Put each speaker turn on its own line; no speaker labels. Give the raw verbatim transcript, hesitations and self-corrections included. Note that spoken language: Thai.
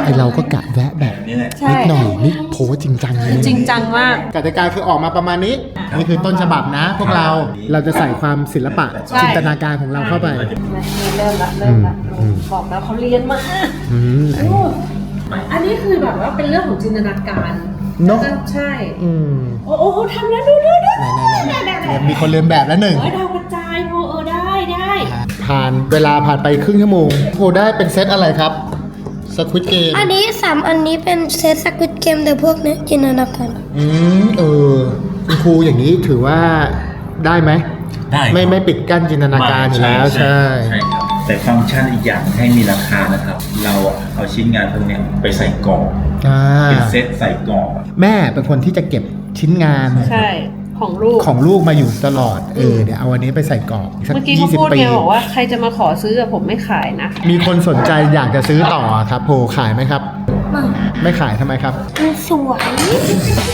ไอเราก็กะแวะแบบนิดหน่อยนี่โพสจริงจังเลย
จริงจังมาก
กติกาคือออกมาประมาณนี้นี่คือต้นฉบับนะ พวกเราเราจะใส่ความศิลปะจินตนาการของเราเข้าไป
เริ่มละเริ่มละบอกแล้วเขาเรียนมา
อืม
อันนี้คือแบบว่าเป็นเรื่องของจินตนาการ
เนาะ
ใช่
อืม
โอ้โหทำแล้วดูดูดู
ไหนๆๆมีคนเรียนแบบแล้วหนึ่ง
เฮ้ยดาวกระจายโพเออได้ได้
ผ่านเวลาผ่านไปครึ่งชั่วโมงโพได้เป็นเซตอะไรครับสควิตเกม
อันนี้สามอันนี้เป็นเซตสควิตเกมแต่พวกนี้จินตนาการ
อืมเออคุณครูอย่างนี้ถือว่าได้ไหม
ได้ครับ
ไม่ไม่ปิดกั้นจินตนาการอยู่แล้วใช่
ใช่ครับแต่ฟังก์ชันอีกอย่างให้มีราคานะครับ เราเอาชิ้นงานพวกเนี้ยไปใส่กล่อง
อ่า
เป็นเซตใส่กล่อง
แม่เป็นคนที่จะเก็บชิ้นงาน
ใช่ของลูก
ของลูกมาอยู่ตลอดเออเดี๋ยวเอาอันนี้ไปใส่กรอบสัก
เมื่อกี้
ยี่
เขา
สิบ
พูด
ปี
ไงบอกว่าใครจะมาขอซื้อกับผมไม่ขายนะ
มีคนสนใจอยากจะซื้อต่อครับโพขายไหมครับ ไม่ขายทำไมครับ
มันสวย